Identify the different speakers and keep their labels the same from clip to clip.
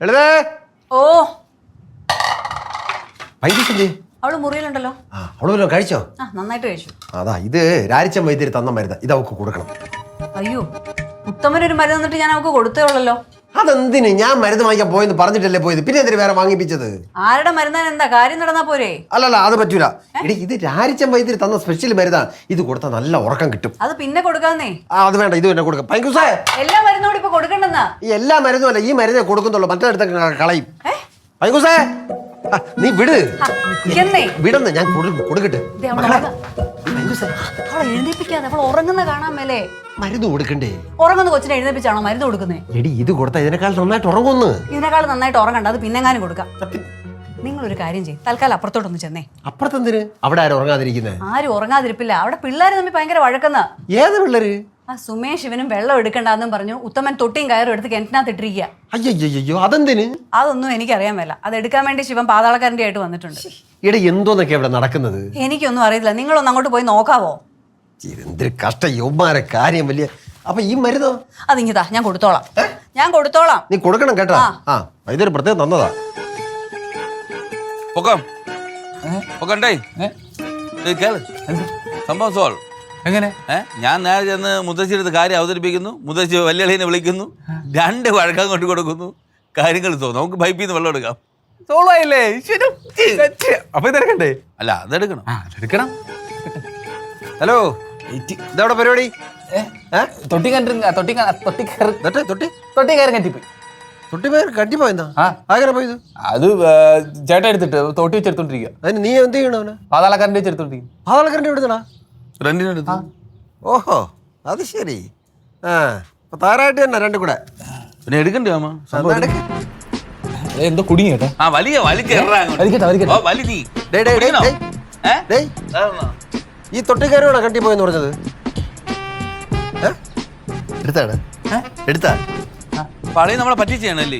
Speaker 1: ലളിതേ
Speaker 2: ഓ
Speaker 1: വൈദ്യുതി
Speaker 2: അവള് മുറിയിലുണ്ടല്ലോ.
Speaker 1: അവള് വല്ലതും കഴിച്ചോ?
Speaker 2: നന്നായിട്ട് കഴിച്ചു.
Speaker 1: അതാ ഇത് രാരിച്ചൻ വൈദ്യര് തന്ന മരുന്ന്, ഇത് അവക്ക് കൊടുക്കണം.
Speaker 2: അയ്യോ, ഉത്തമനൊരു മരുന്ന് തന്നിട്ട് ഞാൻ അവക്ക് കൊടുത്തേ ഉള്ളല്ലോ.
Speaker 1: അതെന്തിന്? ഞാൻ മരുന്ന് വാങ്ങിക്കാൻ പോയെന്ന് പറഞ്ഞിട്ടല്ലേ പോയത്, പിന്നെ എന്തിനു വേറെ വാങ്ങിപ്പിച്ചത്?
Speaker 2: ആരുടെ മരുന്നാൻ എന്താ കാര്യം നടന്നാ പോരെ?
Speaker 1: അല്ലല്ല, അത് പറ്റൂല. എടി, ഇത് രാരിച്ചൻ വൈദ്യര് തന്ന സ്പെഷ്യൽ മരുന്നാണ്. ഇത് കൊടുത്താൽ നല്ല ഉറക്കം കിട്ടും.
Speaker 2: അത് പിന്നെ കൊടുക്കാന്നേ.
Speaker 1: അത് വേണ്ട, ഇത് തന്നെ കൊടുക്കാം. പൈങ്കുസേ,
Speaker 2: എല്ലാ മരുന്നോട് ഇപ്പൊ കൊടുക്കണ്ടെന്നാ.
Speaker 1: ഈ എല്ലാ മരുന്നും അല്ല, ഈ മരുന്നേ കൊടുക്കുന്നുള്ളൂ, മറ്റേടത്തൊക്കെ കളയും. പൈങ്കുസേ, നീ വിട്. വിടന്ന്, ഞാൻ കൊടുക്കട്ടെ.
Speaker 2: എഴുന്നേപ്പിക്കാതെ അവൾ ഉറങ്ങുന്ന കാണാൻ മേലേ.
Speaker 1: മരുന്ന് കൊടുക്കണ്ടേ?
Speaker 2: ഉറങ്ങുന്ന കൊച്ചിനെ എഴുന്നേപ്പിച്ചാണോ മരുന്ന് കൊടുക്കുന്നേ?
Speaker 1: എടി, ഇത് കൊടുത്താ ഇതിനേക്കാൾ നന്നായിട്ട് ഉറങ്ങുന്നു.
Speaker 2: ഇതിനേക്കാൾ നന്നായിട്ട് ഉറങ്ങണ്ട, അത് പിന്നെങ്ങാനും കൊടുക്കാം. നിങ്ങളൊരു കാര്യം ചെയ്യും, തൽക്കാലം അപ്പുറത്തോട്ടൊന്ന് ചെന്നേ.
Speaker 1: അപ്പുറത്തെന്തിന്? അവിടെ ആരും ഉറങ്ങാതിരിക്കുന്നേ?
Speaker 2: ആരും ഉറങ്ങാതിരിപ്പില്ല, അവിടെ പിള്ളേർ തമ്മിൽ ഭയങ്കര വഴക്കുന്ന.
Speaker 1: ഏത് പിള്ളേര്?
Speaker 2: ആ സുമേഷ് ഇവനും വെള്ളം എടുക്കണ്ടെന്നും പറഞ്ഞു ഉത്തമൻ തൊട്ടിയും കയറും എടുത്ത് കിണറ്റിനകത്ത് ഇട്ടിരിക്കുക.
Speaker 1: അയ്യോ, അതെന്തിന്?
Speaker 2: അതൊന്നും എനിക്കറിയാൻ മേല. അത് എടുക്കാൻ വേണ്ടി ശിവൻ പാതാളക്കാരൻ്റെ ആയിട്ട് വന്നിട്ടുണ്ട്.
Speaker 1: ഇവിടെ എന്തോന്നൊക്കെ ഇവിടെ നടക്കുന്നത്
Speaker 2: എനിക്കൊന്നും അറിയില്ല. നിങ്ങളൊന്ന് അങ്ങോട്ട് പോയി നോക്കാവോ?
Speaker 1: എന്തൊരു കഷ്ട യൗമാരെ കാര്യം. വലിയ അപ്പൊ ഈ മരുന്നോ?
Speaker 2: അതിങ്ങിതാ, ഞാൻ കൊടുത്തോളാം.
Speaker 1: നീ കൊടുക്കണം കേട്ടോ. ഇതൊരു പ്രത്യേകം തന്നതാ.
Speaker 3: സംഭവം സോൾവ്. എങ്ങനെ? ഞാൻ നേരെ ചെന്ന് മുത്തശ്ശിയുടെ കാര്യം അവതരിപ്പിക്കുന്നു, മുത്തശ്ശി വല്യളീനെ വിളിക്കുന്നു, 2 വഴക്കം കൊണ്ട് കൊടുക്കുന്നു, കാര്യങ്ങൾ തോന്നും. നമുക്ക് പൈപ്പിൽ നിന്ന് വെള്ളം എടുക്കാം.
Speaker 4: സോളായില്ലേ? അപ്പൊ ഇതെടുക്കണ്ടേ?
Speaker 3: അല്ല, അതെടുക്കണം.
Speaker 4: എടുക്കണം.
Speaker 1: ഹലോ, ഇതവിടെ പരിപാടി?
Speaker 4: തൊട്ടി
Speaker 1: കണ്ടിപ്പോയെന്നാ? ആഗ്രഹം പോയത്?
Speaker 4: അത് ചേട്ടൻ എടുത്തിട്ട് തോട്ടി വെച്ചെടുത്തോണ്ടിരിക്കുക.
Speaker 1: അതിന് നീ എന്ത് ചെയ്യണോ?
Speaker 4: പാതാളക്കാരൻ്റെ വെച്ചെടുത്തോണ്ടിരിക്കും.
Speaker 1: പാതാളക്കാരൻ്റെ എവിടുന്നാ?
Speaker 3: റെന്റിനെടുത്ത്.
Speaker 1: ഓഹോ, അത് ശരി. താരായിട്ട് തന്നെ 2 കൂടെ.
Speaker 3: പിന്നെ എടുക്കണ്ടേ അമ്മ?
Speaker 4: എന്തോ കുടുങ്ങി കേട്ടോ.
Speaker 1: ഈ തൊട്ടിക്കാരോടാ കണ്ടിപ്പോയെന്ന് പറഞ്ഞത്? എടുത്താ
Speaker 3: പളി നമ്മളെ പറ്റിച്ചാണല്ലേ?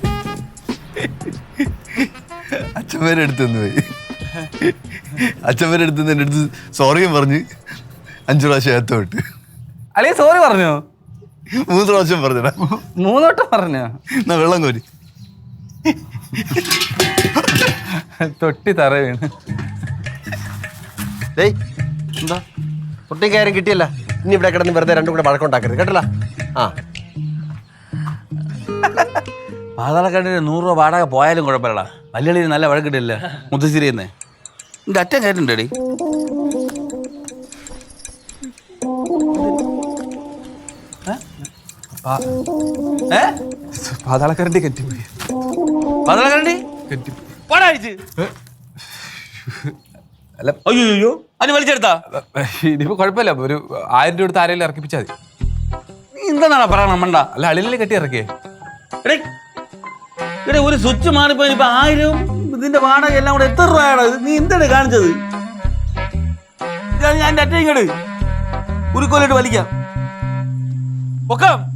Speaker 5: അച്ഛന്മാരെടുത്തു പോയി. അച്ഛന്മാരെടുത്ത് എൻ്റെ അടുത്ത് സോറിയും പറഞ്ഞ് 5 പ്രാവശ്യം ഏത്തോട്ട്.
Speaker 4: അല്ലേ സോറി പറഞ്ഞോ?
Speaker 5: 3 പ്രാവശ്യം പറഞ്ഞടാ.
Speaker 4: 3 വട്ടം പറഞ്ഞോ?
Speaker 5: എന്നാ വെള്ളം കോരി.
Speaker 4: തൊട്ടി തറ വീണ്.
Speaker 1: എന്താ തൊട്ടിക്കാരും കിട്ടിയല്ല? ഇനി ഇവിടെ കിടന്ന് വെറുതെ 2 കൂടെ വഴക്കുണ്ടാക്കരുത് കേട്ടല്ല.
Speaker 3: പാതാളക്കാരൻ്റെ 100 രൂപ വാടക പോയാലും കുഴപ്പമില്ലടാ. വല്യളീന് നല്ല വഴക്കിട്ടില്ല മുത്തശ്ശേരിയെന്നേ. എൻ്റെ അച്ഛൻ കേട്ടിട്ടുണ്ടേടി.
Speaker 4: പാതാളക്കാരൻ്റെ കെട്ടിപ്പോയി.
Speaker 3: പാതാളക്കാരൻ്റെ പാടാഴിച്ച്
Speaker 4: അല്ല.
Speaker 3: അയ്യോ, അതിന് വലിച്ചെടുത്താ?
Speaker 4: ഇനിയിപ്പോ കുഴപ്പമില്ല, ഒരു 1000 രൂപ എടുത്ത് ആരെങ്കിലും ഇറക്കിപ്പിച്ചാൽ മതി.
Speaker 3: നീ എന്താണ് പറയണം മണ്ട?
Speaker 4: അല്ല, അളിലല്ലേ കെട്ടി ഇറക്കിയേ.
Speaker 3: ഇവിടെ ഒരു സ്വിച്ച് മാറിപ്പോ 1000 ഇതിന്റെ വാടക എല്ലാം കൂടെ എത്ര രൂപയാണ്? നീ എന്താണ് കാണിച്ചത്? ഞാൻ എൻ്റെ അറ്റ ഇങ്ങോട്ട് ഒരു കൊല്ലിട്ട് വലിക്കാം. പൊക്കാം.